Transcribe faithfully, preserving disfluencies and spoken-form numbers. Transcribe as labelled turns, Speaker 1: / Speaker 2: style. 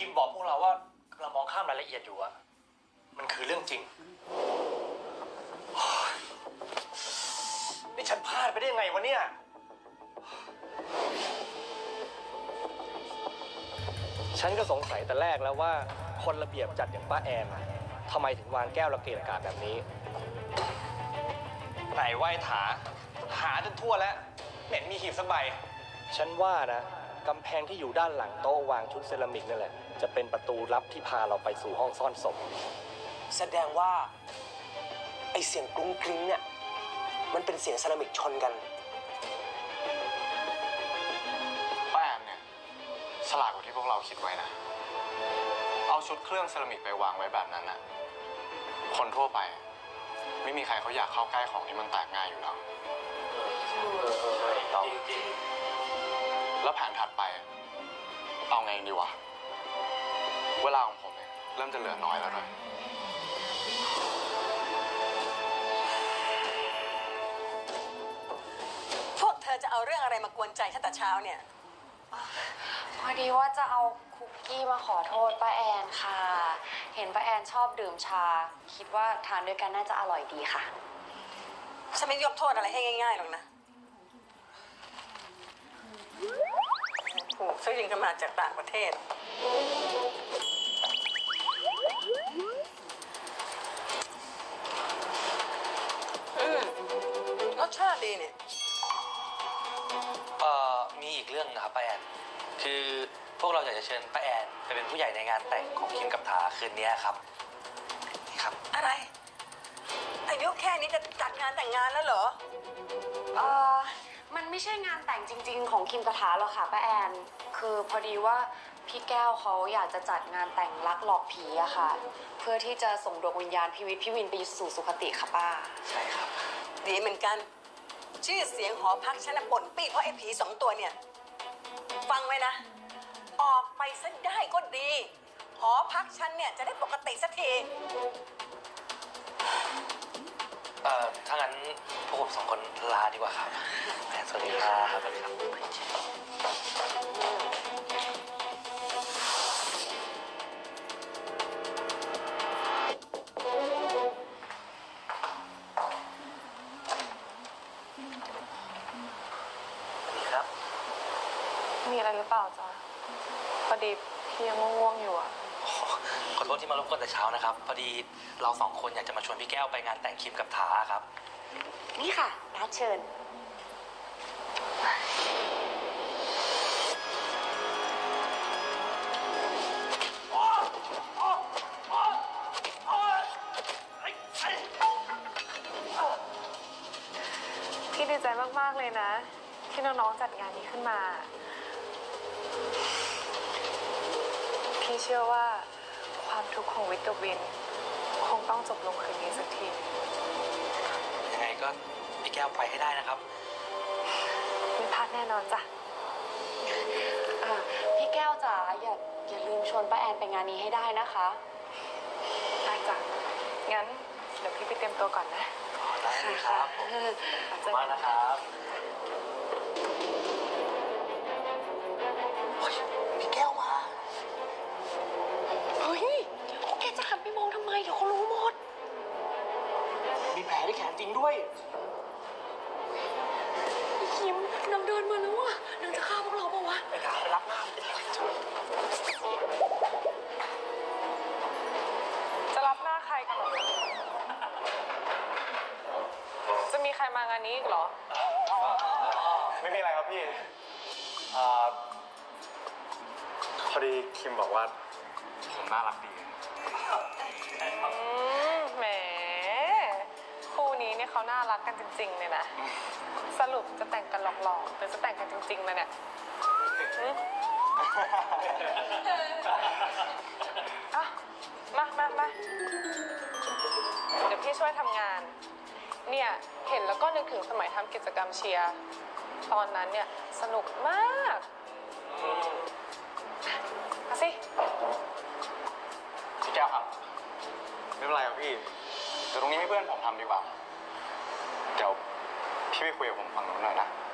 Speaker 1: คิมบอกพวกเราว่ากำลังมองข้ามรายละเอียดอยู่อะมันคือเรื่องจริงนี่ฉันพลาดไปได้ยังไงวะเนี่ยฉันก็สงสัยแต่แรกแล้วว่าคนระเบียบจัดอย่างป้าแอนทำไมถึงวางแก้วระเกะระกะแบบนี้ไหนไหว้ถาหาจนทั่วแล้วเหม็นมีหีบสักใบฉันว่านะกำแพงที่อยู่ด้านหลังโต๊ะวางชุดเซรามิกนั่นแหละจะเป็นประตูลับที่พาเราไปสู่ห้องซ่อนศพ
Speaker 2: แสดงว่าไอเสียงกรุ้งกริ้งเนี่ยมันเป็นเสียงเซรามิกชนกัน
Speaker 3: ป้าแอนเนี่ยฉลาดกว่าที่พวกเราคิดไว้นะเอาชุดเครื่องเซรามิกไปวางไว้แบบนั้นนะคนทั่วไปไม่มีใครเขาอยากเข้าใกล้ของที่มันแตกง่ายอยู่แล้วจริงจริงแล้วแผนถัดไปเอาไงดีวะเวลาของผมเนี่ยเริ่มจะเหลือน้อยแล้วด้วย
Speaker 4: พวกเธอจะเอาเรื่องอะไรมากวนใจตั้งแต่เช้าเนี่ย
Speaker 5: พอดีว่าจะเอาคุกกี้มาขอโทษป้าแอนค่ะเห็นป้าแอนชอบดื่มชาคิดว่าทานด้วยกันน่าจะอร่อยดีค่ะ
Speaker 4: ฉันไม่ยกโทษอะไรให้ง่ายๆหรอกนะผูกซื้อยิงกันมาจากต่างประเทศอืมรสชาติดีเนี่ย
Speaker 1: เอ่อมีอีกเรื่องนะครับป้าแอนคือพวกเราอยากจะเชิญป้าแอนไปเป็นผู้ใหญ่ในงานแต่งของคิมกับถาคืนนี้ครับนี่ครับ
Speaker 4: อะไรอายุแค่นี้จะจัดงานแต่งงานแล้วเหรอ
Speaker 5: เออมันไม่ใช่งานแต่งจริงๆของคิมกระถาหรอกค่ะป้าแอนคือพอดีว่าพี่แก้วเขาอยากจะจัดงานแต่งรักหลอกผีอะค่ะเพื่อที่จะส่งดวงวิญญาณพี่วิทย์พี่วินไปสู่สุคติค่ะป้า
Speaker 1: ใช่ครับ
Speaker 4: ดีเหมือนกันชื่อเสียงหอพักฉันน่ะป่นปี้เพราะไอ้ผีสองตัวเนี่ยฟังไว้นะออกไปซะได้ก็ดีหอพักฉันเนี่ยจะได้ปกติสักที
Speaker 1: เอ่อถ้างั้นพวกผมสองคนลาดีกว่าครับสวัสดีครับสวัสดีครับ
Speaker 6: มีอะไรหรือเปล่าจ๊ะพอดีพี่ยังง่วงๆอยู่อะ
Speaker 1: ขอโทษที่มารบกวนแต่เช้านะครับพอดีเราสองคนอยากจะมาชวนพี่แก้วไปงานแต่งคิมกับถาครับ
Speaker 5: นี่ค่ะนัดเชิญ
Speaker 6: พี่ดีใจมากๆเลยนะที่น้องๆจัดงานนี้ขึ้นมาพี่เชื่อว่าความทุกข์ของวิทย์กับวินคงต้องจบลงคืนนี้สักที
Speaker 1: ยังไงก็พี่แก้วไปให้ได้นะครับ
Speaker 6: ไม่พลาดแน่นอนจ้ะ
Speaker 5: พี่แก้วจ๋าอย่าอย่าลืมชวนป้าแอนไปงานนี้ให้ได้นะคะ
Speaker 6: ได้จ้ะงั้นเดี๋ยวพี่ไปเตรียมตัวก่อนนะ
Speaker 1: ได้เลยครับขอบคุณมากนะครับพี่แก้วมา
Speaker 5: เฮ้ยแกจะหันไปมองทำไมเดี๋ยวเขารู้หมด
Speaker 1: มีแผลที่แขนจริงด้วย
Speaker 5: คิมนางเดินมาแล้วอ่ะนางจะฆ่าพวกเราปะวะ
Speaker 1: ไปไปรับหน้า
Speaker 6: จะรับหน้าใครกันหรอจะมีใครมางานนี้อีกเหรอ
Speaker 3: ไม่มีอะไรครับพี่พอดีคิมบอกว่าผมน่ารักดี
Speaker 6: แหมคู่นี้เนี่ยเขาน่ารักกันจริงๆเลยนะสรุปจะแต่งกันหลอกๆหรือจะแต่งกันจริงๆนะเนี่ยอ่ะมามามาเดี๋ยวพี่ช่วยทำงานเนี่ยเห็นแล้วก็นึกถึงสมัยทำกิจกรรมเชียร์ตอนนั้นเนี่ยสนุกมากมาสิ
Speaker 3: พี่แก้วครับไม่เป็นไรครับพี่เดี๋ยวตรงนี้ให้เพื่อนผมทำดีกว่าเดี๋ยวพี่ไปคุยกับผมฝั่งนู้นหน่อยนะ